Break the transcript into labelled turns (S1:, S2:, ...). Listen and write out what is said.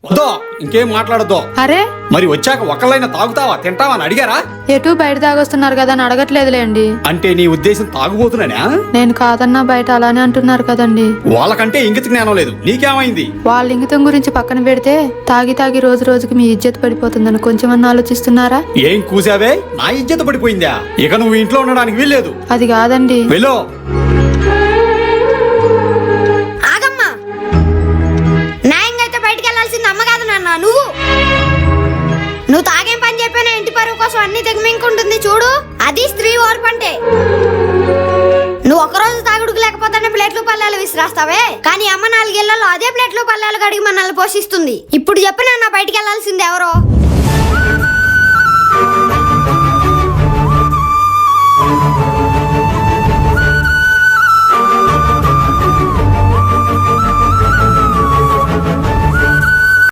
S1: వద్దో ఇంకేం మాట్లాడద్దు.
S2: అరే
S1: మరి వచ్చాక ఒకళ్ళైనా తాగుతావా తింటావా అని అడిగారా?
S2: ఎటు బయట తాగొస్తున్నారు కదా అని అడగట్లేదులేండి.
S1: అంటే నీ ఉద్దేశం తాగుబోతున్నానా?
S2: నేను కాదన్నా బయట అలానే అంటున్నారు కదండి.
S1: వాళ్ళకంటే ఇంగిత జ్ఞానం లేదు, నీకేమైంది?
S2: వాళ్ళ ఇంగితం గురించి పక్కన పెడితే తాగి తాగి రోజు రోజుకి మీ ఇజ్జత్ పడిపోతుందని కొంచెమన్నా ఆలోచిస్తున్నారా?
S1: ఏం కూసావే? నా ఇజ్జత పడిపోయిందా? ఇక నువ్వు ఇంట్లో ఉండడానికి వీల్లేదు.
S2: అది కాదండి.
S1: వెళ్ళు.
S3: ఆగమ్మా, న్యాయంగా అయితే బయటికి వెళ్ళాల్సింది అమ్మ కాదు నాన్న, నువ్వు తాగేం పని చెప్పినా ఇంటి పరువు కోసం అన్ని తెగమింకుంటుంది చూడు, అది స్త్రీ ఓర్పు అంటే. నువ్వు ఒకరోజు తాగుడుకు లేకపోతేనే ప్లేట్లు పల్లాలు విసిరాస్తావే, కానీ అమ్మ 4 ఏళ్లలో అదే ప్లేట్లు పల్లాలు కడిగి మనల్ని పోషిస్తుంది. ఇప్పుడు చెప్పినా నా బయటికి వెళ్ళాల్సింది ఎవరో?